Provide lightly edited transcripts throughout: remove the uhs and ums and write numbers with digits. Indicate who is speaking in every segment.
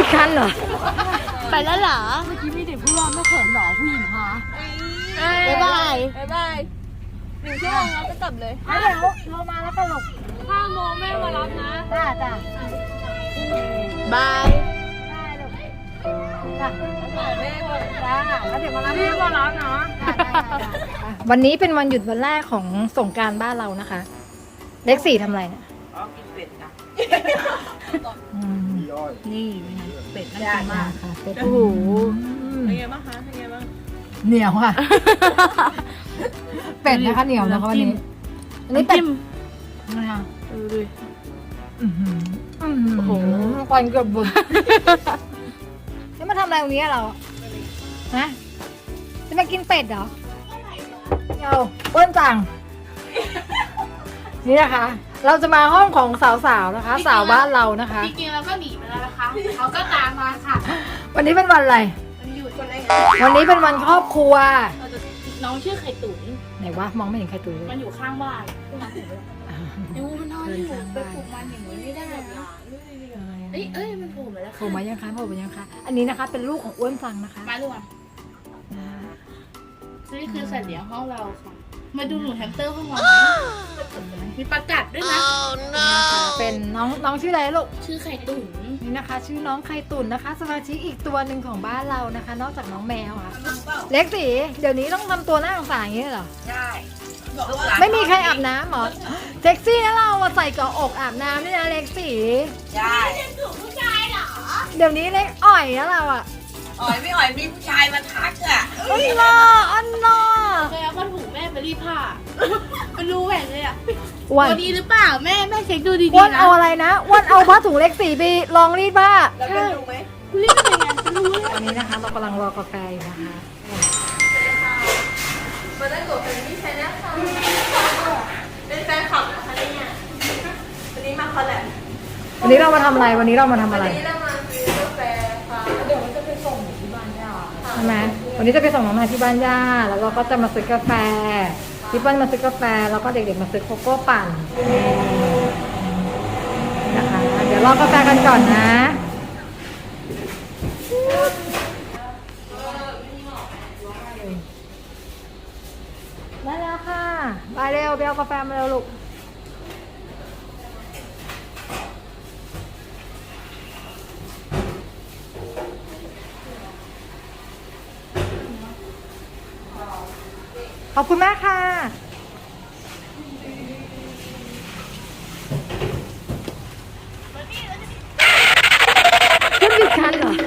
Speaker 1: ดคันเหรอไปแล้วเหรอ
Speaker 2: เมื่อกี้มีเด็กพูดว่าไม่เขินหรอผู้หญิงคะ
Speaker 1: บ๊ายบาย
Speaker 3: บ๊ายบาย1 ชั่วโมงแล้วจะกลับเลย
Speaker 2: เดี๋ยวโทรมาแล้วก็หลบ
Speaker 3: 5 โมงแม่มารับนะ
Speaker 2: จ้าจ้า
Speaker 1: บาย
Speaker 2: ได้ลูกจ้า
Speaker 3: แม่ก่อน
Speaker 2: จ้าแล้วเดี๋ยวมารับ
Speaker 3: พี่มารับนะ
Speaker 1: วันนี้เป็นวันหยุดวันแรกของสงกรานต์บ้านเรานะคะ เลข 4ทำอะไรเนี่ย
Speaker 3: อ๋อกินเป็ดจ้ะ
Speaker 2: นี่เป็ดน่ากินมาก
Speaker 1: ค่ะเป็ดโอ้โห
Speaker 3: เป็นไงบ้างคะเป็นไงบ้าง
Speaker 2: เหนียวค่ะ เป็ดนะคะเหนียวนะคะวันนี้
Speaker 1: อันนี้เป็ด
Speaker 2: นะคะ
Speaker 3: ดูดิ
Speaker 2: โอ้โหควันเกือบบุญ
Speaker 1: นี่มาทำอะไรตรงนี้เราฮะจะมากินเป็ดเหรอ
Speaker 2: เอาเปิ้ลจัง นี่นะคะ เราจะมาห้องของสาวๆนะคะ สาวบ้านเรานะคะ
Speaker 3: จริงๆเราก็หนีไปแล้วนะคะเขาก็ตามมาค่ะ
Speaker 2: วันนี้เป็นวันอะไร
Speaker 3: มันหยุดคนไหน
Speaker 2: วันนี้เป็นวันครอบครัว
Speaker 3: น้องชื่อไข่ตุ๋น
Speaker 2: ไหนวะมองไม่เห็นใครตัวเลย
Speaker 3: มันอยู่ข้างบ้านดูมันนอนอยู่ไปปลุกมันอย่างนี้ไม่ได้นะเอ้ยมันโผล่มาแล้ว
Speaker 2: โผล่มายังคะโผล่มายังคะอันนี้นะคะ เป็นลูกของอ้วนฟังนะคะ
Speaker 3: มาด่วนนี่คือสัตว์เลี้ยงห้องเราค่ะ มาดูหนูแฮมสเตอร์ห้องเรามีประกัดด้วยนะ
Speaker 2: เป็นน้องชื่ออะไรลูก
Speaker 3: ชื่อไข่ตุ๋น
Speaker 2: นี่นะคะ ชื่อน้องไข่ตุ่นนะคะ สมาชิกอีกตัวหนึ่งของบ้านเรานะคะ นอกจากน้องแมวค่ะ เล็กสีเดี๋ยวนี้ต้องทำตัวหน้าสงสารอย่างนี้เหรอ
Speaker 3: ใช่
Speaker 2: ไม่มีใครอาบน้ำหรอเซ็กซี่นะเราอะใส่เกาะอกอาบน้ำนี่นะเล็กสี
Speaker 3: ใช่
Speaker 2: เดี๋ยวนี้เล็กอ่อยนะเราอะ
Speaker 4: อ่อยไม่อ่อยมีผู้ชายมาทักอ่ะ
Speaker 2: อันน่าอันน่า
Speaker 3: เคยเอาผ้าถุงแม่ไปรีดผ้าเป็นรูแหวนเลยอ่ะ
Speaker 2: อ้วน
Speaker 3: ตัวดีหรือเปล่าแม่เช็คดูดี
Speaker 2: อ้วน
Speaker 3: ๆนะ
Speaker 2: เอาอะไรนะอ้วนเอาผ้าถุงเล็กสีไปลองรีดผ้า
Speaker 4: แล้วเป็นดูไหม
Speaker 3: รีดเป็นไงเป็นรูเลย
Speaker 2: ตอนนี้นะคะ เรากำลังรอกาแฟอยู่นะคะ
Speaker 3: มาได้กดเป็นพี่ชายนะคะเป็นแฟนคลับนะคะเนี่ยวันนี้มาคอลแลบ
Speaker 2: วันนี้เรามาทำอะไรวันนี้เรามาทำอะไร
Speaker 3: นี่เรามาซื้อกาแฟค่ะเดี๋ยวมันจะไปส่งที่บ้านย่า
Speaker 2: ใช่ไหมวันนี้จะไปส่งน้องนายที่บ้านย่าแล้วเราก็จะมาซื้อกาแฟพี่เปิ้ลมาซื้อกาแฟแล้วก็เด็กๆมาซื้อโกโก้ปั่นนะคะ เดี๋ยวรอกาแฟกันก่อนนะได้แล้วค่ะไปเร็วไปเอากาแฟมาเร็วลูกขอบคุณมากค่ะขึ้นผิดคันเหรอ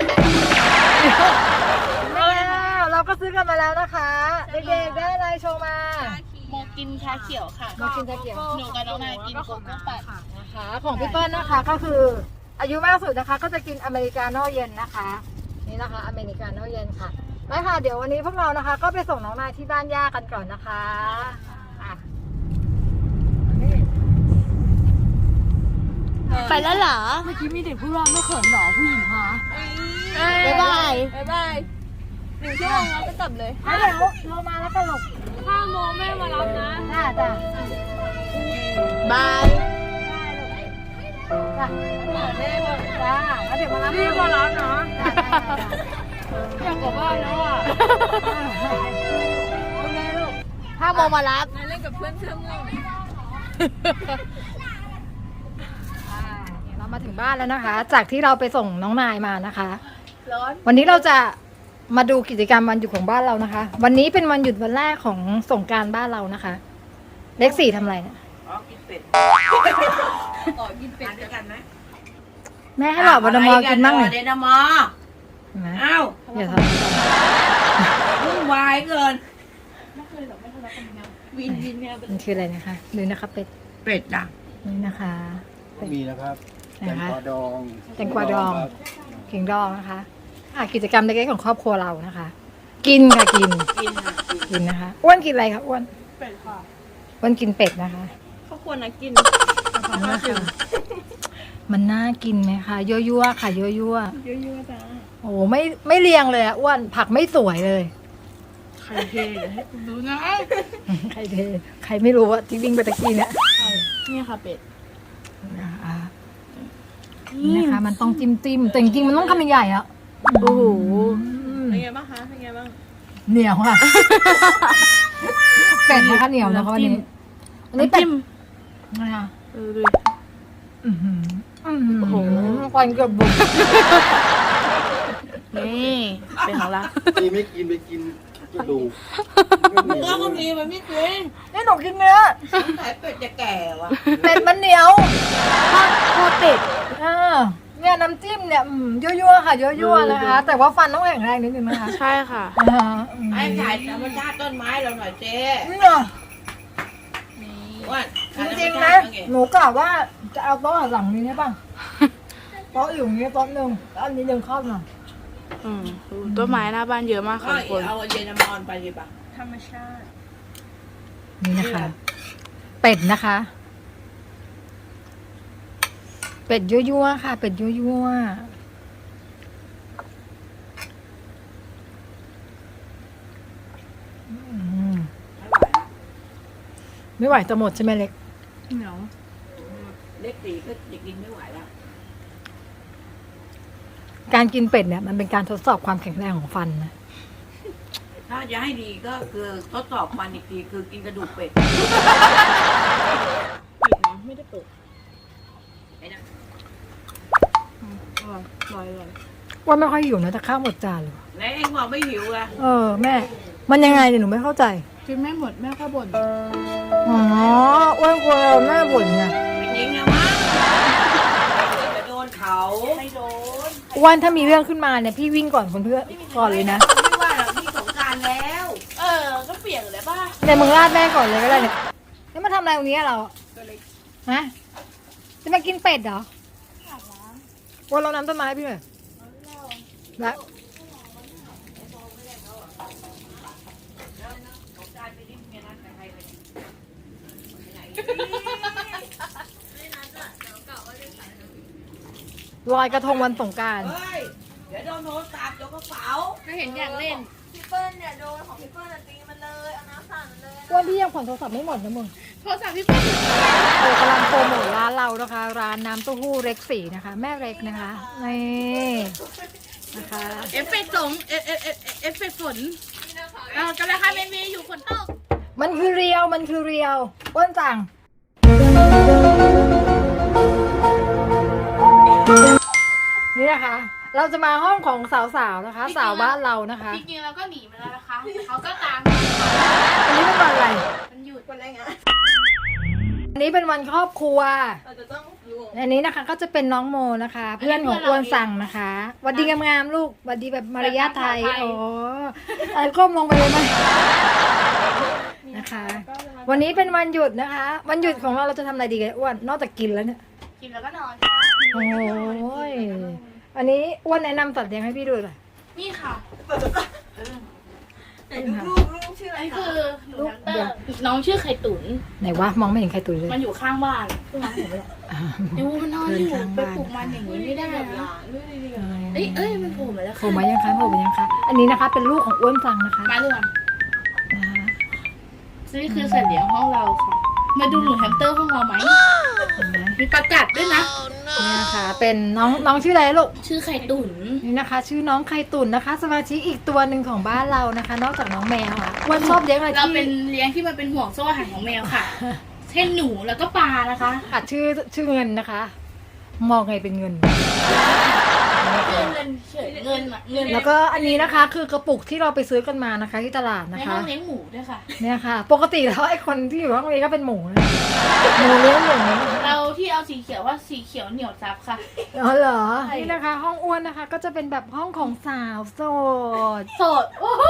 Speaker 2: เราก็ซื้อกันมาแล้วนะคะ เด็กๆได้อะไรโชว์มา
Speaker 3: โมกินชาเขียวค่ะ
Speaker 2: มากินชาเขียว
Speaker 3: หนูกับน้องนายกินโกโก้ปั่น
Speaker 2: นะคะของพี่เปิ้ลนะคะก็คือ อายุมากสุดนะคะ ก็จะกินอเมริกาโน่เย็นนะคะ นี่นะคะอเมริกาโน่เย็นค่ะไปค่ะเดี๋ยววันนี้พวกเรานะคะ ก็ไปส่งน้องนายที่บ้านย่ากันก่อนนะคะอ่ะ
Speaker 1: ไปแล้วเหรอ
Speaker 2: เมื่อกี้มีเด็กพูดว่าไม่เขินหรอผู้หญิงคะ
Speaker 1: บ๊ายบาย
Speaker 3: บ๊ายบาย1 ชั่วโมงแล้วจะกลับเลย
Speaker 2: เดี๋ยวโทรมาแล้วก็หลบ
Speaker 3: 5 โมงแม่มารับนะ
Speaker 2: จ้าจ้า
Speaker 1: บาย
Speaker 2: จ้า
Speaker 3: แม่ก่อน
Speaker 2: จ้าแล้วเดี๋ยวมารับ
Speaker 3: พี่มารับนะ
Speaker 2: จ้า
Speaker 3: อยากกลับบ้านแล้วอ่ะ
Speaker 2: เป็นไงลูก
Speaker 1: 5 โมงมารับ
Speaker 3: นายเล่นกับเพื่อนเชื่อมง่วง
Speaker 2: เรามาถึงบ้านแล้วนะคะ จากที่เราไปส่งน้องนายมานะคะ
Speaker 3: ร้อน
Speaker 2: วันนี้เราจะมาดูกิจกรรมวันหยุดของบ้านเรานะคะ วันนี้เป็นวันหยุดวันแรกของสงกรานต์บ้านเรานะคะ เลข 4ทำอะไรเนี่ย
Speaker 4: อ๋อกินเป็ด
Speaker 3: ต่อกินเป็ด
Speaker 4: ด้วยกันไหม
Speaker 2: แม่ให้หลอดวันมอกินบ้างหน่อย
Speaker 4: เดนามอ
Speaker 2: เห็นไหม
Speaker 4: อ้าว
Speaker 2: อย่าท
Speaker 4: วุ่นวายเกิน
Speaker 3: ไม่เคยหรอกไม่ทะเลาะกันนะวินเนี่ย
Speaker 2: ำมันคืออะไรนะคะดูนะคะเป็ด
Speaker 4: เป็ดอ่ะ
Speaker 2: นี่นะคะ
Speaker 5: มีนะครับแต
Speaker 2: นะ
Speaker 5: ง
Speaker 2: คะ
Speaker 5: กวาดอง
Speaker 2: แตงกวาดอง
Speaker 5: ครับ
Speaker 2: เข่งดองนะคะกิจกรรมเล็กๆของครอบครัวเรานะคะ กินค่ะกิน
Speaker 4: กินค่ะกิน
Speaker 2: กินนะคะอ้วนกินอะไรคะอ้วน
Speaker 3: เป็ดค่ะ
Speaker 2: อ้วนกินเป็ดนะคะ
Speaker 3: เขาควรนะกิน
Speaker 2: นะคะมันน่ากินไหมคะยั่วๆค่ะยั่ว
Speaker 3: เยอะๆจ้า
Speaker 2: ๆโอ้ไม่เรียงเลยอะอ้วนผักไม่สวยเลย
Speaker 3: ใครเทเดี๋ยวให้คุณดูนะ
Speaker 2: ใครเทใครไม่รู้ว่าที่วิ่งไปตะกี้เนี่ย
Speaker 3: นี่ค่ะเป็ด
Speaker 2: นะคะ
Speaker 1: นี่นะคะ มันต้องจิ้มแต่จริงๆมันต้องคำใหญ่ๆอ่ะ
Speaker 3: โอ้โห
Speaker 4: เป็นไงบ้างคะ เป็นไงบ้าง
Speaker 1: เหนียวค่ะ เป็ดนะคะเหนียวนะคะวันนี้อันนี้
Speaker 3: น้ำ
Speaker 1: เป็ด
Speaker 3: จิ้ม
Speaker 1: นะคะ
Speaker 3: ดูดิ
Speaker 1: อื้อหือ
Speaker 3: โอ้โห
Speaker 1: ควันเกือบบุก
Speaker 3: นี่เป็นของเรา
Speaker 5: ตีไม่กินไปกินกระดูก
Speaker 4: แล้วก็มีมันไม่กิน
Speaker 1: นี่หนูกินเนื้อ
Speaker 4: สายเป็ดจะแก่วะ
Speaker 1: เป็ดมันเหนียว
Speaker 3: ทอดเป็ด
Speaker 1: เนี่ยน้ำจิ้มเนี่ยยั่วๆค่ะยั่วๆนะคะ แต่ว่าฟันต้องแข็งแรงนิดนึงนะคะ
Speaker 3: ใช่ค่ะ
Speaker 4: ไอ้ถ่ายธรรมชาติต้นไม้เราหน่อยเจ๊
Speaker 1: นี่เหรอ
Speaker 4: ว่า
Speaker 1: จริงๆนะหนูกะว่าจะเอาโต๊ะหลังนี้ได้ป่ะโต๊ะอยู่อย่างนี้โต๊ะหนึ่งแล้วอันนี้ดึงเข้าหน่อย
Speaker 3: ดูต้นไม้หน้าบ้านเยอะมาก
Speaker 4: ก็
Speaker 3: ค่ะทุกคน
Speaker 4: เอาเยนามอนไปดีป่ะ
Speaker 1: นี่นะคะ เป็ดนะคะ เป็ดยั่วๆค่ะ เป็ดยั่วๆไม่ไหวจะหมดใช่ไหมเล็ก
Speaker 3: เหนียว
Speaker 4: เล็กตีก็จะกินไม่ไหวแล้ว
Speaker 1: การกินเป็ดเนี่ยมันเป็นการทดสอบความแข็งแรงของฟันนะ
Speaker 4: ถ้าจะให้ดีก็คือทดสอบมันอีกทีคือกินกระดูกเป็ด
Speaker 3: ปิดนะไม่ได้เปิด
Speaker 4: ไอ้นั่น
Speaker 3: อร่อย
Speaker 1: ว่าไม่ค่อยหิวนะแต่ข้าวหมดจานเลย
Speaker 4: แล้วเองบอกไม่หิวอะ
Speaker 1: แม่ มันยังไงเนี่ยหนูไม่เข้าใจ
Speaker 3: กินไม่หมดแม่ก็บ่น
Speaker 1: อ๋ออ้วนกลัวแม่บ่นไง
Speaker 4: ไม่จริงนะมั้งจะโดนเขา
Speaker 3: ไม่โดน
Speaker 1: อ้วนถ้ามีเรื่องขึ้นมาเนี่ยพี่วิ่งก่อนคนเพื่อนก่อนเลยนะ
Speaker 4: ไม่ว่าหรอกพี่สงกรารแล้ว
Speaker 3: ก็เปียกเลยป่ะ
Speaker 1: แต่มึงราดแม่ก่อนเลยก็ได้เนี่ยนี่มาทำอะไรตรงนี้อะเราฮะจะมากินเป็ดเหรอวันเราน้ำต้นไม้พี่หน่อยแล้วลอยกระทงวันสงกรานต์
Speaker 4: เฮ้ย เดี๋ยวโดนโทรศัพท์โดนกระเป๋า
Speaker 3: ก็เห็นอยากเล่น
Speaker 1: อ้วนพี่ยังผ่อนโทรศัพท์ไม่หมดนะมึง
Speaker 3: โทรศัพท์พี่เปิ้ล
Speaker 1: กำลังโปรโมทร้านเรานะคะ ร้านน้ำเต้าหู้เล็กสีนะคะ แม่เล็กนะคะนี่นะคะ
Speaker 3: เอฟเฟกต์สงเอฟเฟกต์ฝนกำลังทำเมอยู่ฝนตก
Speaker 1: มันคือเรียวมันคือเรียวอ้วนจังนี่นะคะ เราจะมาห้องของสาวๆนะคะ สาวบ้านเรานะคะ
Speaker 3: จริงๆเราก็หนีมาแล้วนะคะแต่เขาก็ตาม
Speaker 1: อันนี้เป็นวันอะไร
Speaker 3: มันหยุด
Speaker 1: อันนี้เป็นวันครอบครัวอันนี้นะคะก็จะเป็นน้องโมนะคะ เพื่อนของอ้วนสั่งนะคะหวัดดีงามๆลูกหวัดดีแบบมารยาทไทยโอ้ก้มลงไปเลยไหมนะคะ วันนี้เป็นวันหยุดนะคะ วันหยุดของเราจะทำอะไรดีกันอ้วนนอกจากกินแล้วเนี่ย
Speaker 3: กินแล้วก็นอน
Speaker 1: โอ้ยอันนี้อ้วนแนะนำสัตว์เลี้ยงให้พี่ดูหน่อย
Speaker 3: นี่ค่ะ
Speaker 4: ลูกชื่ออะไร
Speaker 3: อันนี้
Speaker 4: คะ
Speaker 3: คือหนูแฮมสเตอร์น้องชื่อไข่ตุ๋น
Speaker 1: ไหนวะมองไม่เห็นใครตุยเลย
Speaker 3: มันอยู่ข้างบ้านเพิ่งมาเห็นเลยดูมันนอนอยู่ไปปลุกมันอย่างนี้ไม่ได้นะเอ้ยมันโผล่มาแล้ว
Speaker 1: โผล่มายังคะโผล่มายังคะอันนี้นะคะเป็นลูกของอ้วนฟังนะคะ
Speaker 3: มาเลย
Speaker 1: นะคะ
Speaker 3: นี่คือสัตว์เลี้ยงห้องเราค่ะ มาดูหนูแฮมสเตอร์ห้องเราไหม
Speaker 1: เห็นไหม
Speaker 3: มีประกาศด้วยนะ
Speaker 1: นี่นะคะเป็นน้องชื่ออะไรลูก
Speaker 3: ชื่อไข่ตุ๋น
Speaker 1: นี่นะคะ ชื่อน้องไข่ตุ่นนะคะ สมาชิกอีกตัวหนึ่งของบ้านเรานะคะ นอกจากน้องแมวอ่ะอ้วนชอบเลี้ยงอะไร
Speaker 3: เรา
Speaker 1: ที่
Speaker 3: เป็นเลี้ยงที่มันเป็นห่วงโซ่อาหารของแมวค่ะ เช่นหนูแล้วก็ปลานะคะ
Speaker 1: อ่ะชื่อเงินนะคะ มองไงเป็นเงิน
Speaker 3: เงินเฉยเงินอะเงิน
Speaker 1: แล้วก็อันนี้นะคะคือกระปุกที่เราไปซื้อกันมานะคะ ที่ตลาด
Speaker 3: ใน
Speaker 1: นะ
Speaker 3: ห้
Speaker 1: คะ
Speaker 3: องเลี้ยงหมูด้วยค่ะ
Speaker 1: เนี่ยค่ะ ปกติแล้วไอ้คนที่อยู่ห้องนี้ก็เป็นหมูนะหมูเลี้ยงหมู
Speaker 3: เราที่เอาสีเขียวว่าสีเขียวเหนียวซับค่ะ
Speaker 1: อ๋อเหรอนี่นะคะ ห้องอ้วนนะคะ ก็จะเป็นแบบห้องของสาวโสด
Speaker 3: โสดโอ้โห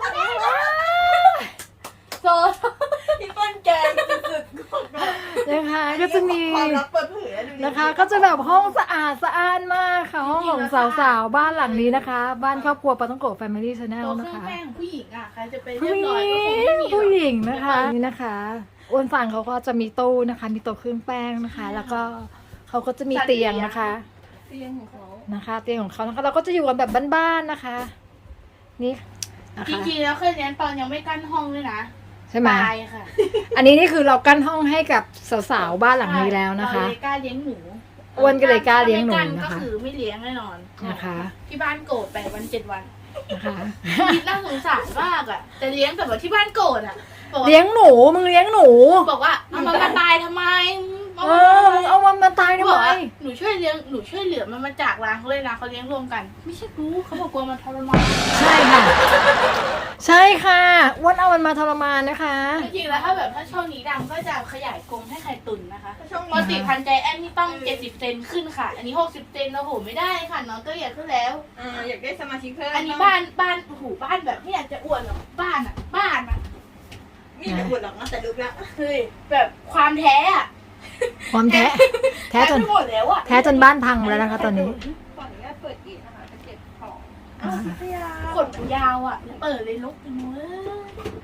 Speaker 3: โสด
Speaker 4: พี่เปิ้ลแกงสุด
Speaker 1: นะคะก็จะมี
Speaker 4: ความลับเปิดเผยอะดูดิ
Speaker 1: นะคะ ก็จะแบบห้องสะอาดสะอ้านมากค่ะ ห้องของสาวๆบ้านหลังนี้นะคะ บ้านครอบครัวปาต้องโกะแฟมิลี่ชาแนล
Speaker 3: ตัวเค
Speaker 1: นะ
Speaker 3: รื่อง
Speaker 1: คะ
Speaker 3: แป้งผู้หญิงอ่ะใครจะไปเรี
Speaker 1: ผู้
Speaker 3: ยบ
Speaker 1: ห
Speaker 3: ร้อย
Speaker 1: ญิ
Speaker 3: ก็คงไม่มี
Speaker 1: งผู้หญิง
Speaker 3: หรอก
Speaker 1: นะคะนี่นะคะอ้วนฟังเขาก็จะมีตู้นะคะ มีโต๊ะเครื่องแป้งนะคะ แล้วก็เขาก็จะมีเตียงนะคะ
Speaker 3: เตียงของเขา
Speaker 1: นะคะ เตียงของเขานะคะ เราก็จะอยู่กันแบบบ้านๆนะคะ นี่นะ
Speaker 3: จ
Speaker 1: คะ
Speaker 3: ริงๆแล้วเคยเรียนตอนยังไม่กั้นห้องด้วยนะ
Speaker 1: ใช่ไหม
Speaker 3: ตายค่ะ
Speaker 1: อันนี้นี่คือเรากั้นห้องให้กับสาวๆบ้านหลังนี้แล้วนะคะ
Speaker 3: เราเลยกล้าเลี้ยงหมู
Speaker 1: อ้วนก็เลยกล้าเลี้ยงหนู
Speaker 3: ไม่กั
Speaker 1: นะ
Speaker 3: ก็
Speaker 1: คะ
Speaker 3: คือไม่เลี้ยงแน่นอน
Speaker 1: นะคะ
Speaker 3: ที่บ้านโกรธ8 วัน 7 วัน
Speaker 1: นะคะ
Speaker 3: คิดน่าสงสารมากอ่ะแต่เลี้ยงแต่ว่าที่บ้านโกรธอ่ะบอกว่า
Speaker 1: เลี้ยงหนูมึงเลี้ยงหนู
Speaker 3: บอกว่าเอามันมาตายทำไม
Speaker 1: เออมึงเอามันมาตายทำ
Speaker 3: บอก
Speaker 1: ไม
Speaker 3: ว่าหนูช่วยเหลือมันมาจากร้านเขาเลยนะเขาเลี้ยงรวมกัน ไม่ใช่กูเขาบอกกลัวมันทรมาน
Speaker 1: ใช่ค่ะ ใช่ค่ะอ้วนเอามันมาทรมานนะคะ
Speaker 3: จริงๆแล้วถ้าช่วงนี้ดังก็จะขยายกรงให้ไข่ตุ่นนะคะปกติพันใจแอนนี่ต้อง70 เซนขึ้นค่ะ อันนี้60 เซนโอ้โหไม่ได้ค่ะน้องก็ใหญ่ขึ้นแล้ว
Speaker 6: อยากได้สมาชิกเพิ่ม
Speaker 3: อันนี้บ้านโอ้โหบ้านแบบไม่อยากจะอวดหรอกบ้านอ่ะ
Speaker 6: นี่ไม่บุญหรอกนะแต่ดูแล้ว
Speaker 3: เฮ้ยแบบความแท้อะ
Speaker 1: ความแท้แท้จน
Speaker 3: ไปหมดแล้วอะ
Speaker 1: แท้จนบ้านพังแล้วนะคะตอนนี้
Speaker 6: ขออนุญาตเปิดอีกนะคะจะเก็บของ
Speaker 1: อ่า
Speaker 3: ขนมันยาวอะแล้วเปิดเลยลุกไปหมดเลย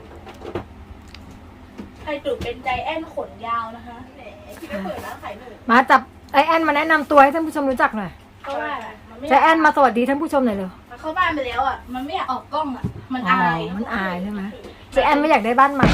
Speaker 3: ไข่ตุ๋นเป็นใจแอนขนยาวนะคะ
Speaker 6: แหมที่ไม่เปิดร้านขายหนู
Speaker 1: มาจับไอแอนมาแนะนำตัวให้ท่านผู้ชมรู้จักหน่อย
Speaker 3: เพราะว่ามันไม่
Speaker 1: ใจแอนมาสวัสดีท่านผู้ชมหน่อยเร็ว
Speaker 3: มันเข้าบ้านไปแล้วอะมันไม่อยากออกกล้องอะมัน
Speaker 1: อ๋อ
Speaker 3: อาย
Speaker 1: มันอายใช่ไหมใจแอนไม่อยากได้บ้านใหม่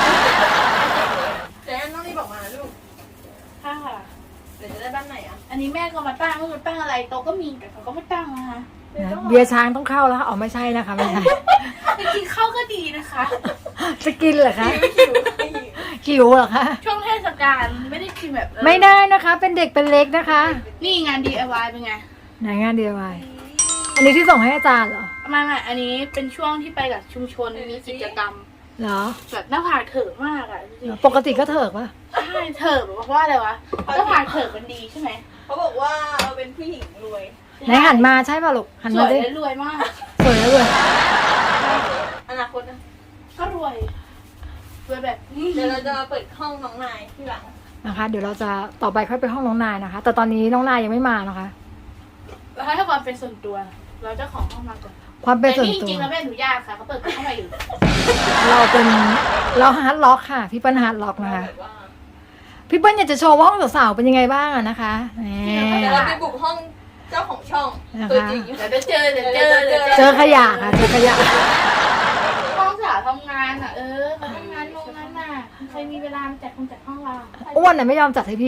Speaker 6: แต่น้องนี่บอกมาลูก
Speaker 3: ค่ะ
Speaker 6: เดี๋ยวจะได้บ้านไหนอ่ะ
Speaker 3: อันนี้แม่ก็มาตั้งว่ามันตั้งอะไรโตะก็มีแต่เขาก็ไม่ตั้งนะคะ
Speaker 1: นะเบียร์ช้างต้องเข้าแล้วค่ะอ๋อไม่ใช่นะคะไม่ใช่
Speaker 3: จริงๆเข้าก็ดีนะคะ
Speaker 1: จะกินเหรอคะหิวเหรอคะ
Speaker 3: ช่วงเทศกาลไม่ได้กินแบบ
Speaker 1: ไม่ได้นะคะ เป็นเด็กเป็นเล็กนะคะ
Speaker 3: นี่งาน DIY เป็นไง
Speaker 1: ไหนงานเดียวไว้อันนี้ที่ส่งให้อาจารย์เหรอ
Speaker 3: ไม่อันนี้เป็นช่วงที่ไปกับชุมชนมีกิจกรรม
Speaker 1: เหรอ
Speaker 3: แบบหน้าผากเถิกมากอ่ะจริง
Speaker 1: ปกติก็เถิกปะ
Speaker 3: ๆใช่เถิกเพราะว่าอะไรวะหน้าผากเถิกมันดีใช่ไหม
Speaker 6: เขาบอกว่าเราเป็นผู้หญิงรวย
Speaker 1: ไหนหันมาใช่ป่ะลูกหัน
Speaker 3: ส
Speaker 1: มา
Speaker 3: วย
Speaker 1: ดิ
Speaker 3: และรวยมาก
Speaker 1: สวยแล้วเลย
Speaker 6: อนาคตนะ
Speaker 3: ก็รวยแบบ
Speaker 6: เดี๋ยวเราจะมาเปิดห้องน้องนายที่หลัง
Speaker 1: นะคะ เดี๋ยวเราจะต่อไปค่อยไปห้องน้องนายนะคะ แต่ตอนนี้น้องนายยังไม่มานะคะ
Speaker 3: แล้วให้ความเป็นส่วนตัว เราเจ้าของห้องมาก่อน
Speaker 1: ความเป็น
Speaker 3: แต่
Speaker 1: ส่วน
Speaker 3: นี่จ
Speaker 1: ตัว
Speaker 3: ริงๆแล้วไม่อนุญาตค่ะเขาเปิดเข้ามาอยู่
Speaker 1: เราฮาร์ดล็อกค่ะ พี่เปิ้ลฮาร์ดล็อกนะคะ
Speaker 6: แบบว่า
Speaker 1: พี่เปิ้ลอยากจะโชว์ว่าห้องสาวๆเป็นยังไงบ้างอะนะคะแหม
Speaker 6: เดี๋ยวเราไปบุกห้องเจ้าของช่อง
Speaker 1: นะคะ
Speaker 6: ตัวจริง
Speaker 3: เดี๋ยวจะเจอ
Speaker 1: เจอขยะค่ะเจอขยะ
Speaker 3: ห้องสาวทำงานอ่ะเขาทำงานโรงงานน่ะใครมีเวลามาจัดห้องเรา
Speaker 1: อ้วนน่ะไม่ยอมจัดให้พี่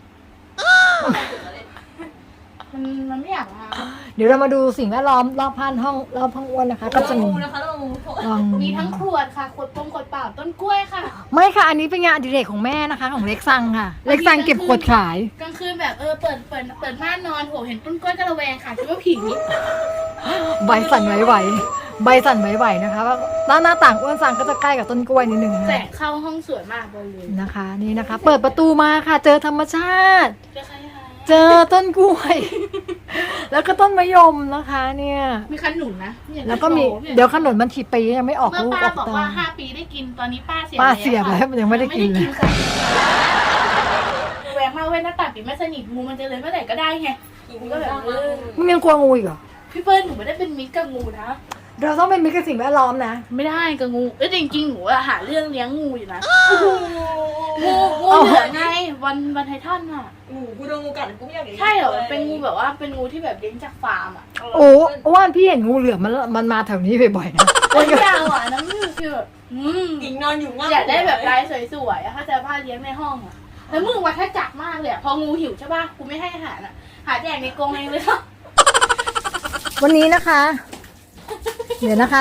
Speaker 3: มันไม่อยากมา
Speaker 1: เดี๋ยวเรามาดูสิ่งแวดล้อมรอบพันห้องรอบห้องอ้วนนะคะ ก็จะ
Speaker 6: เรา
Speaker 1: มี
Speaker 6: งูนะคะเรางู
Speaker 1: ลอง
Speaker 3: มีทั้งขวดค่ะขวดปงขวดเปล่าต้นกล้วยค่ะ
Speaker 1: ไม่ค่ะ อันนี้เป็นงานอดิเรกของแม่นะคะ ของเล็กซังค่ะ เล็กซังเก็บขวดขาย
Speaker 3: กลางคืนแบบเปิดม่านนอนโหเห็นต้นกล้วยก็ระแวงค่ะคิดว่าผี
Speaker 1: ใบสั่นไหวๆใบสั่นไหวๆนะคะว่าหน้าต่างอ้วนซังก็จะใกล้กับต้นกล้วยนิดนึงนะ
Speaker 3: แส
Speaker 1: คะ
Speaker 3: งเข้าห้องสวยมากบริเวณ
Speaker 1: นะคะ นี่นะคะ เปิดประตูมาค่ะ เจอธรรมชาติ
Speaker 3: เจอใครคะ
Speaker 1: เจอต้นกล้วย แล้วก็ต้นมะยมนะคะ เนี่ย
Speaker 3: มีขนุนนะเนี่ย
Speaker 1: แล้วก็มี
Speaker 3: โชเนี่ย
Speaker 1: เดี๋ยวขนมมันถีปียังไม่ออก
Speaker 3: เมื่อ
Speaker 1: ลูก
Speaker 3: ป้า
Speaker 1: ออก
Speaker 3: บอก
Speaker 1: ตา
Speaker 3: ว่า5 ปีได้กินตอนนี้ป้าเสีย
Speaker 1: ป้าเสียบแล้วยังไม่ได้กินเลย
Speaker 3: ค่ะระแวงมากเว้ยหน้าต่างปิดไม่สนิทงูมันจะเลยเมื่อไหร่ก็ได้ไง
Speaker 6: งูก็แบบว่า
Speaker 1: มึงยังกลัวงูอีกเหรอ
Speaker 3: พี่เปิ้ลหนูไม่ได้เป็นมิตรกับงูนะ
Speaker 1: เราต้องเป็นมิตรกับสิ่งแวดล้อมนะ
Speaker 3: ไม่ได้กับงูจริงๆหนูอะหาเรื่องเลี้ยงงูอยู่นะงูเหลือไงวันไททันอะ
Speaker 6: งูกูโดนงูกัดกูไม่อยากเลี้ยง
Speaker 3: ใช่เหรอเป็นงูแบบว่าเป็นงูที่แบบเลี้ยงจากฟาร์มอะ
Speaker 1: โอ้ว่านพี่เห็นงูเหลือมมันมาแถวนี้บ่อยๆนะ
Speaker 3: ตัวยาวอะน้ำมือคือแบบ
Speaker 6: กิ่งนอนอยู่ง่าย
Speaker 3: อยากได้แบบลายสวยๆอะถ้าจะผ้าเลี้ยงในห้องอะแล้วมึงวัฏจักรมากเลยอะพองูหิวใช่ป่ะกูไม่ให้อาหารอะหาแจกในกรงเองเลยค่ะ
Speaker 1: วันนี้นะคะ เดี๋ยวนะคะ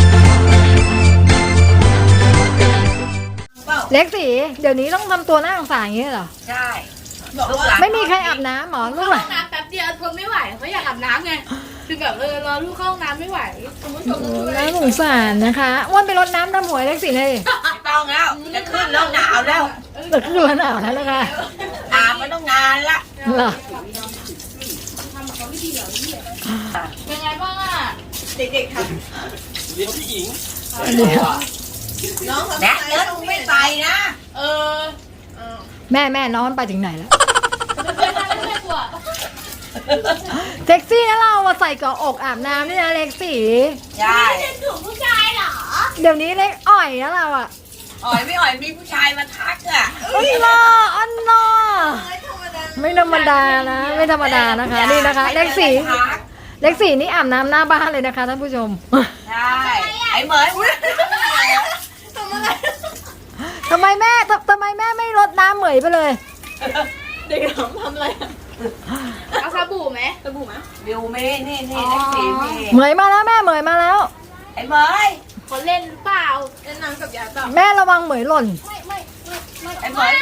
Speaker 1: เล็กสีเดี๋ยวนี้ต้องทำตัวหน้าสงสารอย่างนี้เหรอ
Speaker 4: ใช่
Speaker 3: บอกว่า
Speaker 1: ไม่มีใครอาบน้ำหมอลู
Speaker 3: เข้าก ห้
Speaker 1: อ่ะ
Speaker 3: องน้ำแป๊บเดียวทนไม่ไหวเขาอยากอาบน้ำไงคือแบบรอลูกเข้าห้องน้ำไม่ไหวคุณผู้ชมต้องช่วย
Speaker 1: น่าสงสารนะคะอ้วนไปรดน้ำดำหัวเล็กสีเลย
Speaker 4: ไม่ต้องแล้วจะขึ้นแล้วหนาวแล้ว
Speaker 1: แต่ขึ้นร้อนหนาวแล้วนะคะ
Speaker 4: อาบมาต้องนานละ
Speaker 1: เหรอ
Speaker 3: ทำเขาไม่ดีเหรอพี่เป็นไงบ้างอ่ะ
Speaker 6: เด็กๆท
Speaker 5: เลี้ยงผู้หญิง
Speaker 1: อันนี้
Speaker 6: ำน้องเขา
Speaker 4: แนะเลิศไม่ไปนะ
Speaker 3: เออ
Speaker 1: แม่น้องไปถึงไหนแล้ว
Speaker 3: เป็นเพื่อนกันแล้วแม่กลัว
Speaker 1: เซ็กซี่นะเราอะใส่เกาะอกอาบน้ำนี่นะเล็กสี
Speaker 4: ใช่
Speaker 3: เป็นถุงผู้ชายเหรอ
Speaker 1: เดี๋ยวนี้เล็กอ่อยนะเราอะ
Speaker 4: อ่อยไม่อ่อยมีผู้ชายมาทักอ่ะ
Speaker 1: อันน่าอันน่าไม่ธรรมดานะ ไม่ธรรมดานะคะ นี่นะคะ เล็กสี
Speaker 4: ทัก
Speaker 1: เล็กสีนี่อาบน้ำหน้าบ้านเลยนะคะท่านผู้ชม
Speaker 4: ใช่ไอ้เหมย
Speaker 1: ทำไมแม่ไม่รดน้ำเหมยไปเลย
Speaker 6: เด็กๆทำอะไรอะ
Speaker 3: เอาสบู่ไหม
Speaker 6: สบู่ไหม
Speaker 4: เดี๋ยวเมย์นี่นี่นักสีเมย์
Speaker 2: เหมยมาแล้วแม่เหมยมาแล้ว
Speaker 4: ไอ้เมย์
Speaker 3: เขาเล่นหรือเปล่า
Speaker 6: เล่นน้ำกับยาต่อ
Speaker 2: แม่ระวังเหมยหล่น
Speaker 4: ไอ้เมย์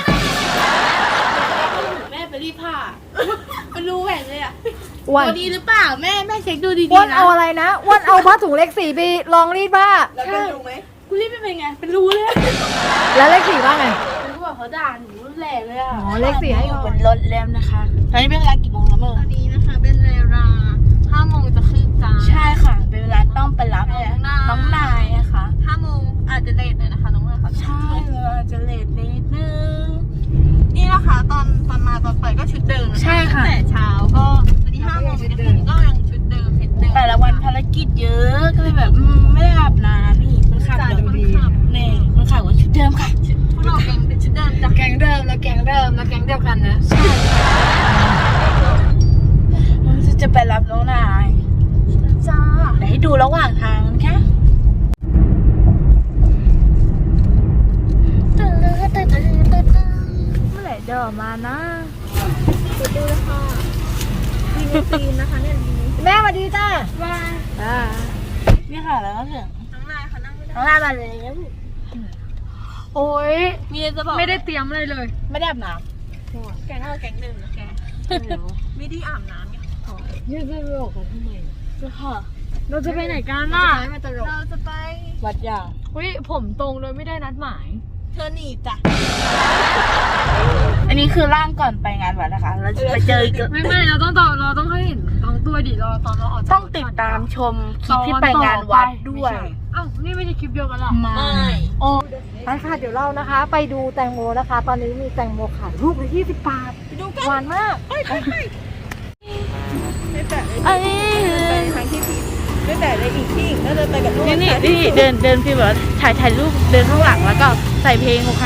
Speaker 3: แม่ไปรีดผ้ามันรู้แหวนเลยอ่ะ
Speaker 2: อ้วน
Speaker 3: ตัวดีหรือเปล่าแม่เช็คดูดี
Speaker 2: อ้วน
Speaker 3: ๆนะ
Speaker 2: เอาอะไรนะอ้วนเอาผ้าถุงเล็ก4ไปลองรีดผ้า
Speaker 6: แล้วเป็นรู้ไหม
Speaker 3: กูรีดไม่เป็นไงเป็นรูเลย
Speaker 2: แล้วเลข4ว่าไง
Speaker 3: เป็นรูแบบเขาด่าหนูแหลกเลยอ่ะ
Speaker 2: อ๋อเลข4ให้
Speaker 3: อยู่
Speaker 2: ก่
Speaker 3: บ
Speaker 2: อน
Speaker 3: นรถแล้วนะคะตอนนี้เป็นเวลากี่โมงแล้วเมื่อ
Speaker 6: ตอนนี้นะคะเป็นเวลา5 โมงจะครึ่งจ้า
Speaker 3: ใช่ค่ะ เป็นเวลาต้องไปรับน้องนายนะคะ
Speaker 6: 5 โมงอาจจะเลทหน่อยนะคะน้องเมย์ค่ะ
Speaker 3: ใช่เวลาจะเลทนิดนึง
Speaker 6: นี่นะคะตอนมาตอนไปก็ชุดเดิมน
Speaker 3: ใช่ค่ะ
Speaker 6: ตั้งแต่เช้าก็วันนี้5 โมงจะถึงก็ยังชุดเดิมเห็นเดิม
Speaker 3: แต่ละวันภารกิจเยอะก็เลยแบบไม่ได้อาบน้ำนี่คนขับ
Speaker 6: จ่าย
Speaker 3: เดี๋ยว
Speaker 6: คนขับ
Speaker 3: นี่คนขับว่าชุดเดิมค่ะ
Speaker 6: พวกเราแกงเป็นชุดเดิมจ้ะ
Speaker 2: แก๊งเดิมแล้วแก๊งเดิมแล้วแก๊งเดียวกันนะ
Speaker 3: จะไปรับน้องนายจ้าเดี๋ยวให้ดูระหว่างทางนะค่ะเมื่อไหร่เดี๋ยวมานะ
Speaker 6: ตีนนะคะเนี่ย
Speaker 2: แม่สวัสดีจ้า
Speaker 3: นี่ค่ะแล้วก็ถึง
Speaker 6: น้องนายค่ะนั่งไม่ได้
Speaker 3: น้องนายมาเลย
Speaker 2: โอ้ย
Speaker 6: มีอะไรจะบอก
Speaker 2: ไม่ได้เตรียมอะไรเลย
Speaker 3: ไม่ได้อาบน้
Speaker 6: แกงแกงเดิมนะแกไม่ได้อาบน้ำไง
Speaker 2: ยืดเสื้อออกกันทำไม
Speaker 3: ำค่ะ
Speaker 2: เราจะไปไหนกันน่ะมันตลก
Speaker 6: เราจะไป
Speaker 3: วัดยาง
Speaker 2: อุ้ยผมตรงโดยไม่ได้นัดหมาย
Speaker 6: เธอหนีจ้ะ
Speaker 3: อันนี้คือร่างก่อนไปงานวัดนะคะ เราจะไปเจออีก
Speaker 2: ไม่เราต้องให้เห็นตองตัวดิเราตอนเราออกจาก
Speaker 3: ต้องติดตามชมคลิปที่ไปงานวัดด้วย
Speaker 2: อ้าวนี่ไม่ใช่คลิปเดียวกันหรอ
Speaker 3: มา
Speaker 2: โอ้ไปค่ะเดี๋ยวเรานะคะ ไปดูแตงโมนะคะ ตอนนี้มีแตงโมขายลูกละ20 บาท
Speaker 6: ไปดูกัน
Speaker 2: หวานมาก
Speaker 6: ไม่แปะเลย
Speaker 3: อันนี้
Speaker 6: ไปทางที่ผิดไม่แปะเลยอีกที่แล้วเดินไปกับลูก
Speaker 3: นี่เดินฟีลแบบถ่ายรูปเดินข้างหลังแล้วก็ใส่เพลงค่ะ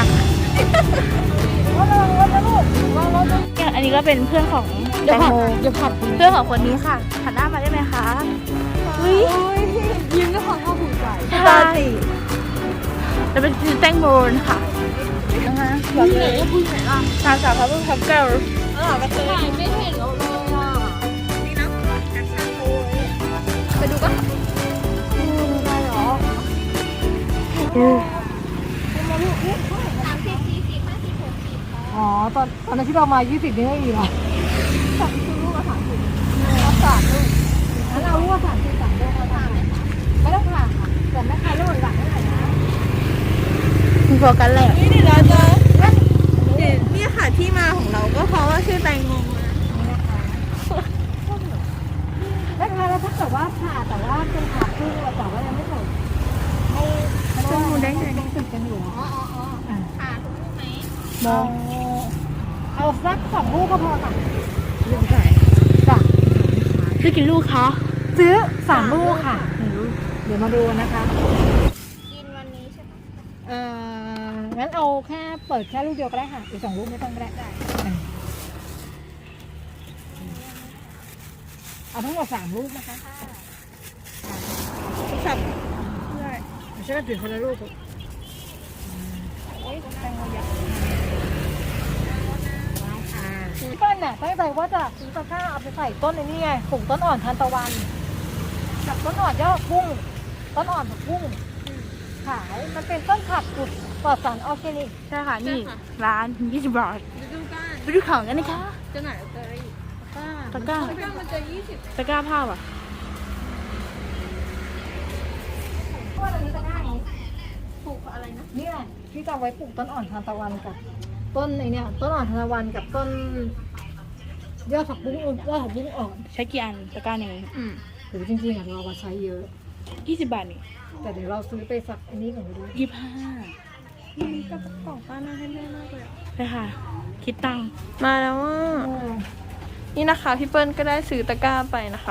Speaker 3: อันนี้ก็เป็นเพื่อนของแตงโม
Speaker 2: เดี๋ยวผัด
Speaker 3: เพื่อนของคนนี้ค่ะหันหน้ามาได้ไหมคะอุ้ย
Speaker 2: ยิ้มด้วยความภาคภูมิใจ
Speaker 3: ใช่จะเป็นแตงโมนะคะนะคะแบบนี้นางสาวพระพุทธเจ้า
Speaker 6: ก็เคย
Speaker 2: ถ่ายไม่เห็นเราเลยอ่ะ
Speaker 6: นี่นะแอคชั่นโอ้ย
Speaker 2: ไปดูปะได้เหรออ๋อตอนนั้นที่เรามา20นี่ไม่มีหรอสั่งซื้อลูกละ30รับสามลูกงั้นเอาลูกละ30 3ลูกเอา3ไม่ต้องผ่าค่ะแต่แม่ค้าลูกหลังเท่าไหร่นะ
Speaker 3: คุณโฟกัสแหละ
Speaker 6: นี่เดี๋ยวเราจะนี่ค่ะที่มาของเราก็เพราะว่าชื่อแตงโมมา
Speaker 2: แม่ค้าแล้วถ้าเกิดว่าผ่าแต่ว่าเป็นผ่าครึ่งแต่ว่ายังไม่ถึงให้ต้องมูได้ไงต้องติดกันอยู่อ๋อ
Speaker 6: ค่ะถูกไหม
Speaker 2: มองเอาสัก2 ลูกก็พอค่ะลูกใหญ่จ้ะ
Speaker 3: ซื้อกี่ลูกคะ
Speaker 2: ซื้อ3 ลูกค่ะเดี๋ยวมาดูนะคะ
Speaker 6: กินวันนี้ใช่ไหม
Speaker 2: งั้นเอาแค่เปิดแค่ลูกเดียวก็ได้ค่ะอีก2 ลูกไม่ต้องก็ได้เอาทั้งหมด3 ลูกนะคะ
Speaker 6: สับ
Speaker 2: ใช่ไหมถือคนละลูกพี่เปิ้ลน่ะตั้งใจว่าจะซื้อตะกร้าเอาไปใส่ต้นไอ้นี่ไงปลูกต้นอ่อนทานตะวันกับต้นอ่อนยอดพุ่งต้นอ่อนผักบุ้งขายมันเป็นต้นผักปลอดสารออร์แกนิก
Speaker 3: ใช่ค่ะนี่ร้าน20 บาท
Speaker 6: ดูกัน
Speaker 3: ไปดูของกันนะคะ
Speaker 6: จะไหนจะอะไรอีก
Speaker 3: ตะกร้า
Speaker 6: มันจะ20
Speaker 3: ตะกร้าผ้าป่ะ
Speaker 6: ปลูกอะไรนะ
Speaker 2: นี่แหละที่จะเอาไว้ปลูกต้นอ่อนทานตะวันกับต้นไอเนี่ยต้นอ่อนทานตะวันกับต้นยอดผักบุ้งอ่อน
Speaker 3: ใช้กี่อันตะกร้าหนึ่ง
Speaker 2: หรือจริงๆเรามาใช้เยอะ
Speaker 3: 20 บาทนี่
Speaker 2: แต่เดี๋ยวเราซื้อไปสักอันนี้ก่อนก็ได้
Speaker 3: 25
Speaker 6: มีกระป๋องป้าน่าให้แม่มากเลย
Speaker 3: ไปค่ะ คิดตังค์
Speaker 6: มาแล้วว่านี่นะคะพี่เปิ้ลก็ได้ซื้อตะกร้าไปนะคะ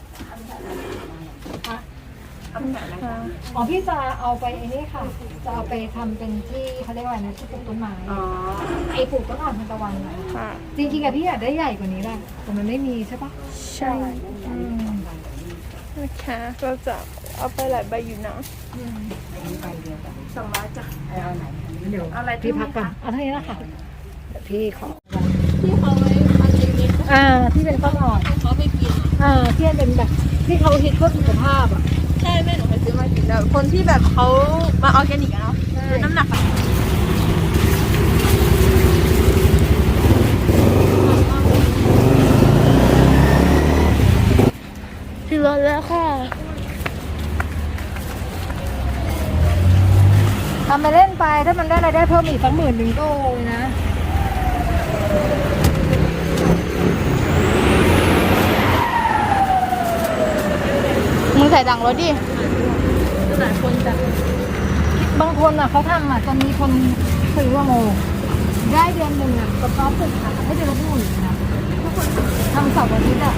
Speaker 2: อ๋อพี่จะเอาไปไอ้นี่ค่ะจะเอาไปทำเป็นที่เขาเรียกว่าอะไรนะที่ปลูกต้นไม้ไอปลูกต้นอ่อนทานตะวันนะ
Speaker 6: ค่ะ
Speaker 2: จริงๆอะพี่อยากได้ใหญ่กว่านี้แหละแต่มันไม่มีใช่ปะ
Speaker 6: ใช่นะคะเราจะเอาไปหลายใบอยู่นะ
Speaker 2: เดี๋ยวพี่พักก่อนเอาเท่านี้ละค่ะเดี๋ยวพี่ขอ
Speaker 6: ที่เขาไว้มาเจมิ
Speaker 2: ที่เป็นข้าวอ่อน
Speaker 6: เขาไปกิน
Speaker 2: ที่เป็นแบบที่เขาฮิตเพื่อสุขภาพอ่ะ
Speaker 6: ใช่แม่หนูเคยซื้อมากินแล้วคนที่แบบเขามาออร์แกนิกอะเนาะลดน้ำหนักอะ ถึงรถแล้วค่ะ
Speaker 2: ทำไปเล่นไปถ้ามันได้รายได้เพิ่มอีกสัก10,000ก็โอเลยนะ
Speaker 6: มึงใส่ดังรถดิ
Speaker 2: บางคนอ่ะเขาทำอ่ะจะมีคนซื้อว่าโมได้เดือนหนึ่งอ่ะก็พร้อมปลูกค่ะให้เดือนละ10,000นะทุกคนทำเสาร์อาทิตย์อ่ะ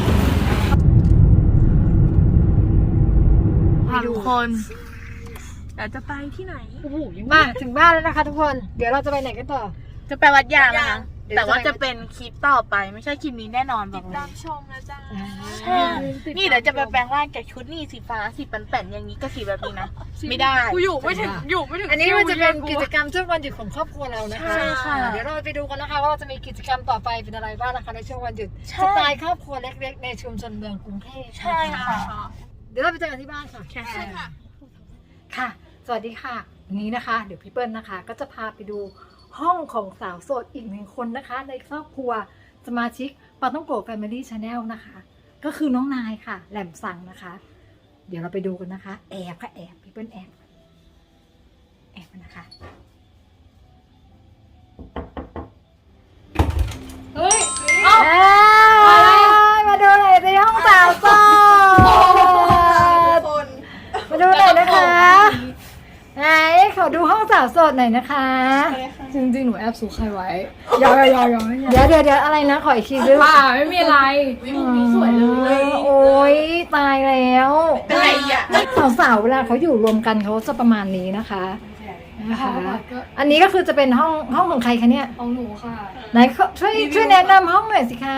Speaker 6: ทุกคน เดี๋ยวจะไปที่ไหน
Speaker 2: มาถึงบ้านแล้วนะคะ ทุกคนเดี๋ยวเราจะไปไหนกันต่อ
Speaker 3: จะไปวัดยางนะคะ
Speaker 2: เดี๋ยว
Speaker 3: แต่ว่า
Speaker 2: จะ
Speaker 3: จะ
Speaker 2: ไป
Speaker 3: เป็นคลิปต่อไปไม่ใช่คลิปนี้แน่นอนบอกเลย
Speaker 6: ชมนะจ๊ะ
Speaker 3: ใช่นี่เดี๋ยวจะไปแปลงร่างจากชุดนี่สีฟ้าสีแป่นๆอย่างนี้ก็สีแบบนี้นะ ไม่ได้
Speaker 6: กูอยู่ไม่ถึง
Speaker 2: อันนี้มันจะเป็นกิจกรรมช่วงวันหยุดของครอบครัวเรานะคะ
Speaker 3: ใช่ค่ะ
Speaker 2: เดี๋ยวเราไปดูกันนะคะว่าเราจะมีกิจกรรมต่อไปเป็นอะไรบ้างนะคะในช่วงวันหยุด
Speaker 3: ใช่
Speaker 2: สไตล์ครอบครัวเล็กๆในชุมชนเมืองกรุงเทพ
Speaker 3: ใช่ค่ะ
Speaker 2: เดี๋ยวเราไปเจอกันที่บ้านค่ะ
Speaker 3: ใช่ค่ะ
Speaker 2: ค่ะ สวัสดีค่ะวันนี้นะคะ เดี๋ยวพี่เปิ้ลนะคะ ก็จะพาไปดูห้องของสาวโสดอีก1 คนนะคะ ในครอบครัวสมาชิกปาต้องโกะแฟมิลี่ชาแนลนะคะ ก็คือน้องนายค่ะ แหลมสั่งนะคะ เดี๋ยวเราไปดูกันนะคะ แอบค่ะแอบพี่เปิ้ลแอบนะคะ
Speaker 6: เฮ้ย
Speaker 2: มาดูหน่อยในห้องสาวโสดมาดูหน่อยนะคะไหนขอดูห้องสาวโสดหน่อยนะคะ
Speaker 6: จริงๆ หนูแอบซูใครไว้
Speaker 2: เดี๋ยวอะไรนะขออีกทีด้วย
Speaker 6: ไม่มีอะไร
Speaker 3: วิวนี้สวยเลย
Speaker 2: โอ้ยตายแล้ว
Speaker 3: เป็นไรอ่ะ
Speaker 2: สาวๆเวลาเขาอยู่รวมกันเขาจะประมาณนี้นะคะอันนี้ก็คือจะเป็นห้องของใครคะเนี่ย
Speaker 6: ของหนูค่ะ
Speaker 2: ไหนช่วยแนะนำห้องหน่อยสิคะ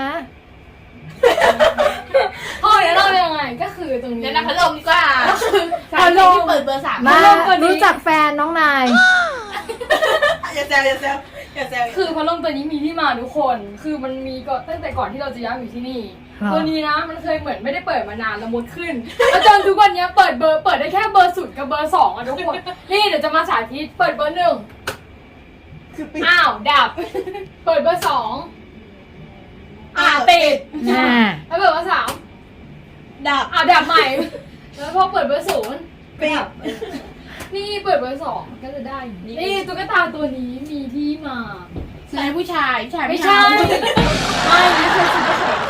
Speaker 6: ห้องนี้เราเป็นยังไงก็คือตรงนี้
Speaker 3: เดี๋ยวนะพัดลมดีกว่า
Speaker 2: พัดลม
Speaker 3: ที่เปิดเบอร์ 3
Speaker 2: มารู้จักแฟนน้องนาย
Speaker 4: อย่าแซวอย่าแซวอย่าแซว
Speaker 6: คือพัดลมตัวนี้มีที่มาทุกคน คือมันมีก่อนตั้งแต่ก่อนที่เราจะย้ายมาอยู่ที่นี่
Speaker 2: ครับ
Speaker 6: ตัวนี้นะมันเคยเหมือนไม่ได้เปิดมานานแล้วมดขึ้น แล้วจนทุกวันนี้เปิดได้แค่เบอร์0กับเบอร์2อ่ะทุกคน นี่เดี๋ยวจะมาสาธิตเปิดเบอร์1อ้าวดับ เปิดเบอร์2ติด แล้วเปิดเบอร์3
Speaker 4: ดับ
Speaker 6: ดับใหม่ แล้วพอเปิดเบอร์0ดับ นี่เปิดเบอร์2ก็จะได้อย่างนี้นี่ตุ๊กตาตัวนี้มีที่มา
Speaker 3: ซื้อให้ผู้ชาย
Speaker 6: ไม่ใช่ ไม่นี่เคยซื้อ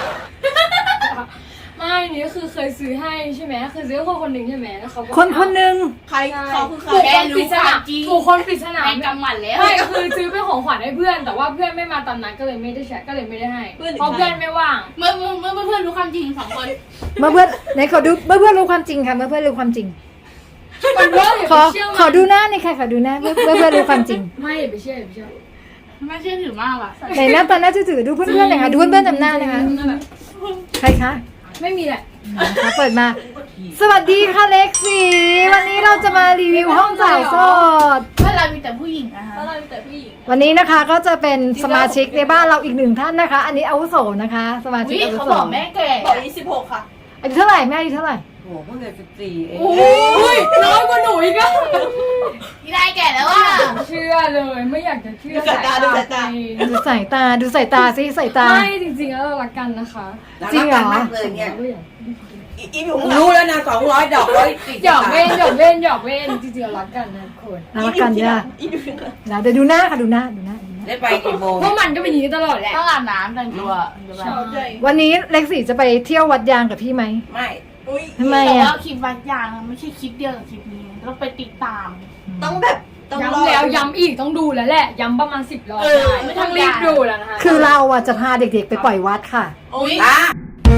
Speaker 6: ไม่นี่ก็คือเคยซื้อให้ใช่ไหมเคยซื้อให้คนหนึ่งใช่ไหมแล้วเขาก็
Speaker 2: คนหนึ่ง
Speaker 4: ใครเขาคือใคร
Speaker 6: ถูกคนปริศนา
Speaker 3: จริง
Speaker 6: ถูกคนปริศนา
Speaker 3: แม่งกำหมัดแล้ว
Speaker 6: ไม่คือซื้อเป็นของขวัญให้เพื่อน แต่ว่าเพื่อนไม่มาตามนัดก็เลยไม่ได้ใช้ก็เลยไม่ได้ให้เพราะเพื่อนไม่ว่าง
Speaker 3: เมื่อเพื่อนรู้ความจริง2 คน
Speaker 2: เมื่อเพื่อนไหนขอดูเมื่อเพื่อนรู้ความจริงค่ะเมื่อเพื่อนรู้ความจริง
Speaker 6: มันเยอะอย่า
Speaker 2: ข
Speaker 6: ไป
Speaker 2: อ
Speaker 6: เชื่อ
Speaker 2: ขอดูหน้าหน่อยค่ะขอดูหน้าเมื่อเพื่อนรู้ความจริง
Speaker 6: ไม่อย่าไปเชื่ออย่าไปเชื่อ
Speaker 3: ไม่เชื่อถือมากอ่ะ
Speaker 2: ไหนหน้าตาน่าจะถือดูเพื่อนๆหน่อยค่ะดูเพื่อนๆจำหน้านะคะใครคะ
Speaker 6: ไม่มีแหละ
Speaker 2: นะคะเปิดมา สวัสดีค่ะเล็กซี่วันนี้เราจะมารีวิวห้องสาวโสด
Speaker 3: เพื่อนเรามีแต่ผู้หญิงนะคะ
Speaker 6: เพราะเรามีแต่ผู้หญิง
Speaker 2: วันนี้นะคะก็จะเป็นสมาชิกในบ้านเราอีก1 ท่านนะคะ อันนี้อาวุโสนะคะ สมาชิ
Speaker 3: วิ
Speaker 2: กอาวุ
Speaker 3: เขา
Speaker 2: โส
Speaker 3: บอกแม่แก่
Speaker 4: บอก26ค่ะ
Speaker 2: อายุเท่าไหร่แม่อายุเท่าไหร่
Speaker 4: โอ้โหเพิ่งเกิด14เอง
Speaker 6: โอ้ยน้อยกว่าหนูอีกอะ
Speaker 3: ที่ได้แก่แล้วอ่ะ
Speaker 6: เชื่อเลยไม่อยากจะเชื่อ
Speaker 4: ดูสายตา
Speaker 2: ดูสายตาสิสายตา
Speaker 6: ไม่จริงๆแล้วเรารักกันนะคะ
Speaker 2: จริงเหรอ
Speaker 4: มากเลยเนี่ยอีอยู่รู้แล้วนะ200ดอก140
Speaker 6: หยอกเล่นหยอกเล่นหยอกเล่นจริงๆเรารักกันนะทุกคน
Speaker 2: รักกันเนี่ย
Speaker 4: อีอยู่
Speaker 2: เดี๋ยวดูหน้าค่ะดูหน้า
Speaker 4: ได้ไปกี่โมง
Speaker 6: เพราะมันก็เป็นอย่างนี้ตลอดแหละ
Speaker 3: ต้องอาบน้ำแต่งตัว
Speaker 2: วันนี้เล็กซี่จะไปเที่ยววัดยางกับพี่ไหม
Speaker 4: ไม่อุ้ย
Speaker 2: ทำไม
Speaker 3: แต่
Speaker 2: อ่ะ
Speaker 3: ว่าคลิปวัดยางไม่ใช่คลิปเดียวกับคลิปนี้ต้องไปติดตาม
Speaker 4: ต้องแบบต้องรอ
Speaker 6: ย้ำแล้วย้ำอีกต้องดูแล้วแหละย้ำประมาณ10 รอบ
Speaker 3: ไม่
Speaker 6: ไม่
Speaker 3: ต้
Speaker 6: ต้
Speaker 3: อ
Speaker 6: อง ง
Speaker 3: รี
Speaker 6: รี
Speaker 3: บบ ดู
Speaker 6: ดูแล้วนะคะ
Speaker 2: คือเราอ่ะจะพาเด็กๆไปปล่อยวัดค่ะ
Speaker 3: อุ้ย
Speaker 4: อ่ะ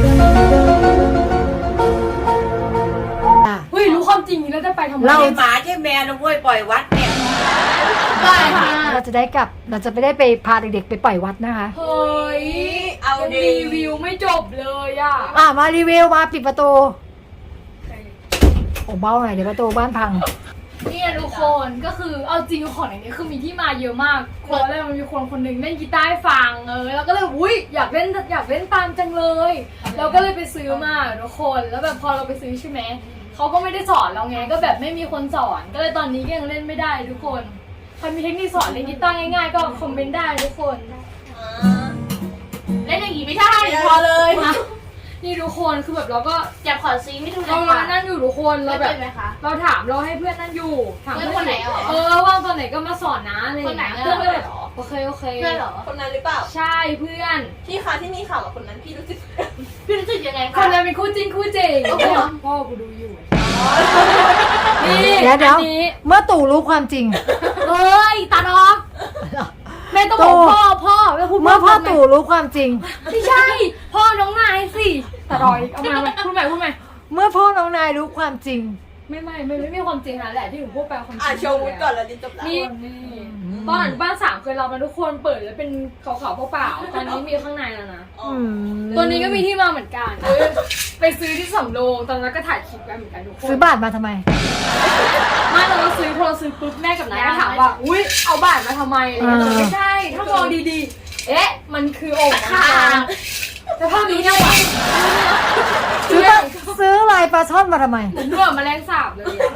Speaker 6: เฮ้ยรู้ความจริงแล้วจะไปทำไม
Speaker 2: เรา
Speaker 4: ใช่หมาใช่แมวนะเว้ยปล่อยวัดเนี่ย
Speaker 3: ได้ค่ะ
Speaker 2: เราจะได้ไปพาเด็กๆไปปล่อยวัดนะคะ
Speaker 6: เฮ้ย
Speaker 4: เอา
Speaker 6: ยัง
Speaker 4: ดี
Speaker 6: รีวิวไม่จบเลยอ่ะ
Speaker 2: มารีวิวมาปิดประตูโอ้เบ้าหน่อยเดี๋ยวประตูบ้านพัง
Speaker 3: นี่
Speaker 6: เนี่ยทุกคนก็คือเอาจริงของอย่างนี้คือมีที่มาเยอะมากเพราะอะไรมันมีคนคนหนึ่งเล่นกีตาร์ให้ฟังแล้วก็เลยอุ้ยอยากเล่นตามจังเลยเราก็เลยไปซื้อมาทุกคนแล้วแบบพอเราไปซื้อใช่ไหมเขาก็ไม่ได้สอนเราไงก็แบบไม่มีคนสอนก็เลยตอนนี้ก็ยังเล่นไม่ได้ทุกคนใครมีเทคนิคสอนเล่นกีตาร์ง่ายๆก็คอมเมนต์ได้ทุกคน
Speaker 3: เล่นอย่างนี้ไม่ได้พอเลย
Speaker 6: นี่ทุกคนคือแบบเราก็
Speaker 3: อยากขอซีไม่ดู
Speaker 6: เรา
Speaker 3: นะคะ
Speaker 6: นั่นอยู่ทุกคนเรา
Speaker 3: ไม่
Speaker 6: แบ
Speaker 3: เป็
Speaker 6: บ
Speaker 3: นไหมคะ
Speaker 6: เราถามเราให้เพื่อนนั่นอยู่ถาม
Speaker 3: เพื่อนคนไหนเหรอ
Speaker 6: ว่างตอนไหนก็มาสอนนะอะไรอย่างเงี้ย
Speaker 3: คนไหน
Speaker 6: เพื่อนก็เลยโอเค
Speaker 3: เพื่อนเหรอ
Speaker 7: คนนั้นหรือเปล่า
Speaker 6: ใช่เพื่อน
Speaker 7: พี่คะที่มีข่าวกับคนนั้นพี่รู้สึก
Speaker 3: พี่รู้สึกยังไง
Speaker 6: ค
Speaker 3: คะ
Speaker 6: นนั้นเป็นคู่จริงพ่อกูดูอยู่นี่
Speaker 2: เดี๋ยว
Speaker 6: อันนี้
Speaker 2: เมื่อตู่รู้ความจริง
Speaker 6: เอ้ยตาดอกแม่ต้องบอกพ่อแล้วพูด
Speaker 2: เมื่อพ่อตู่รู้ความจริง
Speaker 6: ไม่ใช่พ่อน้องนายสิตาดอยเอามาพูดใหม่
Speaker 2: เมื่อพ่อน้องนายรู้ความจริง
Speaker 6: ไม่มีความจริงนะแหละที่หนูพูดไปความจริง
Speaker 7: โชว์วุฒิก่อนแล้วดิจบแล้ว
Speaker 6: นี่ตอนอนุบาล3เคยรับมาทุกคนเปิดแล้วเป็นขาวๆเปล่าๆตอนนี้มีข้างในแล้วนะ ตัวนี้ก็มีที่มาเหมือนกันไปซื้อที่สำโรงตอนนั้นก็ถ่ายคลิปกันเหมือนกันทุกคน
Speaker 2: ซื้อบาทมาทำไม
Speaker 6: ไม่เราก็ซื้อพอเราซื้อปุ๊บแม่กับนายก็ถามว่าอุ้ยเอาบาทมาทำไมอะไรเงี้ยไม่ใช่ถ้ามองดีๆมันคือโอ่งค่ะแต่ภาพนี้เนี่ยว่ะ
Speaker 2: ซื้อลายปลาช่อนมาทำไม
Speaker 6: เหมือนด้วยแมลงสาบเลยอะ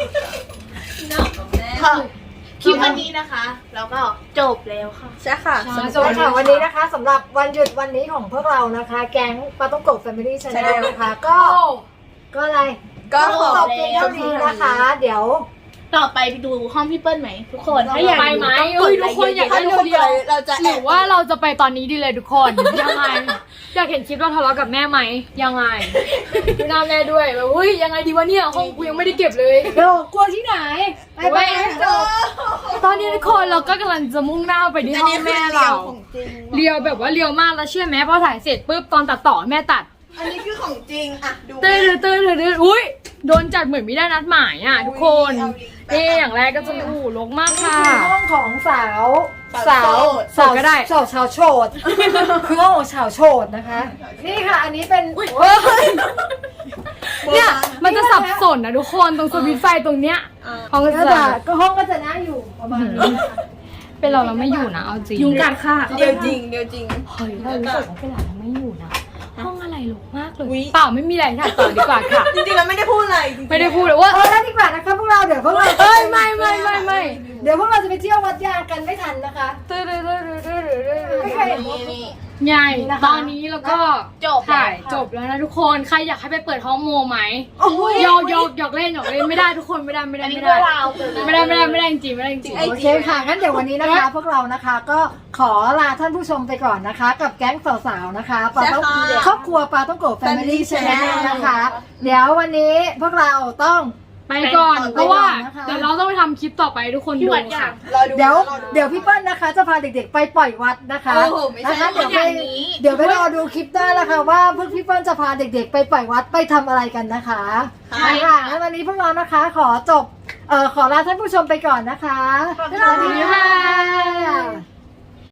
Speaker 3: คลิปวันนี้นะคะแล้วก็จบแล้วค่ะ
Speaker 7: ใช่ค่ะ
Speaker 2: สวัสดีค่ะวันนี้นะคะสำหรับวันหยุดวันนี้ของพวกเรานะคะ แก๊งปาต้องโกะแฟมิลี่ชาแนลนะคะ ก็อะไร
Speaker 7: ก็ขอ
Speaker 2: จบเพียงเท่านี้นะคะ เดี๋ยว
Speaker 3: ต่อไปดูห้องพี่เปิ้ลไหมทุกคนถ้าอยาก
Speaker 6: ไปไหมเอ้ยทุกคนอยาก
Speaker 7: ถ้า
Speaker 6: ให้
Speaker 7: ทุกคน
Speaker 6: เดียว
Speaker 7: ไปเราจะ
Speaker 6: หรือว่าเราจะไปตอนนี้ดีเลยทุกคนยังไงอยากเห็นคลิปเราทะเลาะกับแม่ไหมยังไงดูหน้าแม่ด้วยแบบอุ้ยยังไงดีวะเนี่ยห้องกูยังไม่ได้เก็บเลย
Speaker 2: เดี๋ยวกลัวที่ไหนไป
Speaker 6: ตอนนี้ทุกคนเราก็กำลังจะมุ่งหน้าไปที่ห้องแม่เราเรียวแบบว่าเรียวมากแล้วเชื่อไหมพอถ่ายเสร็จปุ๊บตอนตัดต่อแม่ตัด
Speaker 7: อันนี้คือของจริงอะดู
Speaker 6: ตื่นอุ้ยโดนจัดเหมือนไม่ได้นัดหมายอ่ะทุกคนอย่างแรกก็จะลกมาก
Speaker 2: นี่
Speaker 6: ค่ะ
Speaker 2: คือห้องของสาวก็ได้ชาวโฉดคือห้องของชาวโฉดนะคะ นี่ค่ะ อันนี้เป็น
Speaker 6: เนี่ยมันจะสับสนนะทุกคนตรงสวิตช์ไฟตรงเนี้ยห้องก็
Speaker 2: ก็
Speaker 6: จะ
Speaker 2: ก็ห้องก็จะน่าอยู่ประมาณนี้
Speaker 6: เป็นเราไม่อยู่นะเอาจริง
Speaker 3: ยุงกัดค่ะ
Speaker 7: เดียวจริง
Speaker 6: เฮ้ยเรารู้สึกว่าเป็นเราไม่อยู่นะห้องอะไรหลกมากเลยเปล่าไม่มีอะไรถ่ายต่อดีกว่าค่ะ
Speaker 7: จริงๆเราไม่ได้พูดอะไรจริงๆ
Speaker 6: ไม่ได้พูดเลยว่า
Speaker 2: แล้วดีกว่านะคะพวกเราเดี๋ยวพวกเรา
Speaker 6: เอ้ยไม่
Speaker 2: เดี๋ยวพวกเราจะไปเที่ยววัดยางกันไม่ทันนะคะ ไม่เคยเห็น
Speaker 7: นี่
Speaker 6: ใหญ่
Speaker 2: นะคะ
Speaker 6: ตอนนี้แล้วก็
Speaker 3: จบ
Speaker 6: ถ่ายจบแล้วนะทุกคนใครอยากให้ไปเปิดห้องโมไหมหยอกเล่นไม่ได้ทุกคนไม่ได้
Speaker 3: อันนี้พวกเรา
Speaker 6: ไม่ได้จริงไม่ได้จริง
Speaker 2: โอเคค่ะงั้นเดี๋ยววันนี้นะคะ พวกเรานะคะก็ขอลาท่านผู้ชมไปก่อนนะคะ กับแก๊งสาวๆนะคะปาต้องครอบครัวปาต้องโกะแฟมิลี่ชาแนลนะคะ เดี๋ยววันนี้พวกเราต้อง
Speaker 6: ไปก่อนเพราะว่า
Speaker 2: นะคะ
Speaker 6: เดี๋ยวเราต้องไปทำคลิปต่อไปทุกคน
Speaker 3: ที่
Speaker 6: ดู
Speaker 3: วัดยา
Speaker 6: ค่ะ
Speaker 3: ง
Speaker 2: เดี๋ยวพี่เปิ้ลนะคะ จะพาเด็กๆไปปล่อยวัดนะคะ
Speaker 7: โอ้โหไม่ใช่
Speaker 2: นะคะเดี๋ยวไป
Speaker 3: อย่างนี้
Speaker 2: เดี๋ยวไปรอดูคลิปหน้านะคะว่าพวกพี่เปิ้ลจะพาเด็กๆไปปล่อยวัดไปทำอะไรกันนะคะค่ะงั้นวันนี้พวกเรานะคะขอลาท่านผู้ชมไปก่อนนะคะ
Speaker 3: สวัสดีค่ะ
Speaker 2: สวัสดีค่ะ